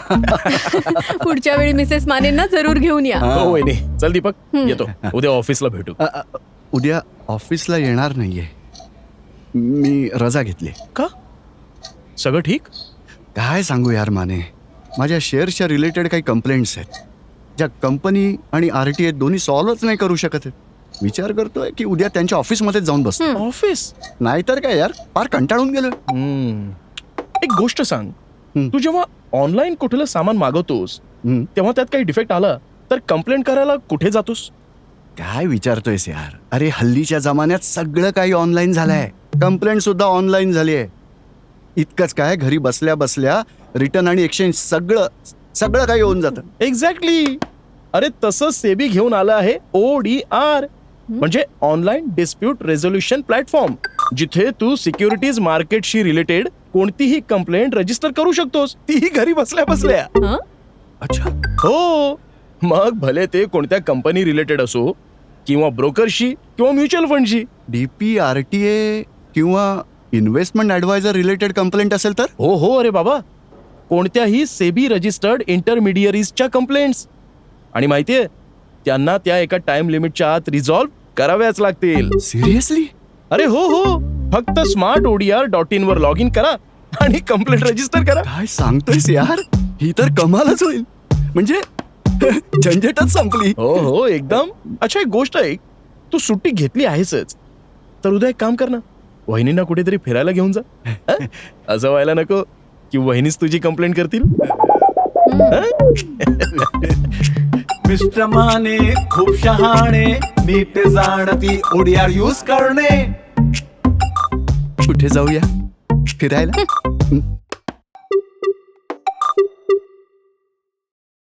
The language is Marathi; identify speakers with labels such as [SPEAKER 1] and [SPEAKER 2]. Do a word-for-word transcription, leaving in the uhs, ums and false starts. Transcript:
[SPEAKER 1] पुढच्या वेळी मिसेस मानेंना जरूर घेऊन या.
[SPEAKER 2] हो वहिनी, चल दीपक येतो, उद्या ऑफिसला भेटू.
[SPEAKER 3] अ, अ, उद्या ऑफिसला येणार नाहीये, मी रजा घेतली.
[SPEAKER 2] का? सगळं ठीक?
[SPEAKER 3] काय सांगू यार माने, माझ्या शेअर्सच्या रिलेटेड काही कंप्लेंट्स आहेत ज्या कंपनी आणि आर टी ए दोन्ही सॉल्वच नाही करू शकत आहेत. विचार करतोय की उद्या त्यांच्या ऑफिसमध्येच जाऊन बसतो.
[SPEAKER 2] ऑफिस?
[SPEAKER 3] नाहीतर काय यार, फार कंटाळून गेलो.
[SPEAKER 2] हम्म. एक गोष्ट सांग,
[SPEAKER 3] हम्म.
[SPEAKER 2] तू जेव्हा ऑनलाईन कुठलं सामान मागवतोस
[SPEAKER 3] हम्म.
[SPEAKER 2] तेव्हा त्यात काही डिफेक्ट आला तर कंप्लेंट करायला कुठे जातोस?
[SPEAKER 3] काय विचारतोयस यार, अरे हल्लीच्या जमान्यात सगळं काही ऑनलाईन झालंय. कंप्लेंट सुद्धा ऑनलाईन झाली आहे. इतकंच काय, घरी बसल्या बसल्या रिटर्न आणि एक्सचेंज सगळं सगळं काही होऊन जातं.
[SPEAKER 2] एक्झॅक्टली. अरे तसं सेबी घेऊन आलं आहे ओ डी आर, म्हणजे ऑनलाईन डिस्प्यूट रेझोल्युशन प्लॅटफॉर्म, जिथे तू सिक्युरिटीज मार्केटशी रिलेटेड कोणतीही कंप्लेंट रजिस्टर करू शकतोस, तीही घरी बसल्या बसल्या.
[SPEAKER 1] हं?
[SPEAKER 3] अच्छा,
[SPEAKER 2] हो, मग भले ते कोणत्या कंपनी रिलेटेड असो किंवा ब्रोकरशी किंवा म्युच्युअल फंडशी.
[SPEAKER 3] डीपी आर टी ए किंवा इन्व्हेस्टमेंट ऍडवायझर रिलेटेड कंप्लेंट असेल तर?
[SPEAKER 2] हो हो, अरे बाबा, कोणत्याही सेबी रजिस्टर्ड इंटरमिडियरीजच्या कंप्लेंट्स. आणि माहितीये, त्यांना त्या एका टाइम लिमिटच्या आत रिझॉल्व्ह कराव्याच लागतील.
[SPEAKER 3] सिरियसली?
[SPEAKER 2] अरे हो हो, फक्त स्मार्ट ओडीआर डॉट इन वर लॉग इन करा आणि कंप्लेंट रजिस्टर करा.
[SPEAKER 3] काय सांगतोयस यार, ही तर कमालच होईल. म्हणजे झंझटच संपली.
[SPEAKER 2] हो हो, एकदम. अच्छा, एक गोष्ट ऐक, तू सुट्टी घेतली आहेसच, तर उद्या एक काम कर ना, वहिनींना कुठेतरी फिरायला घेऊन जा. हं? असं व्हायला नको की वहिनीच तुझी कंप्लेंट करतील.
[SPEAKER 4] मिस्टर माने खूप शहाणे, नीट जाणती ओडीआर यूज करणे.
[SPEAKER 3] कुठे जाऊया फिरायला?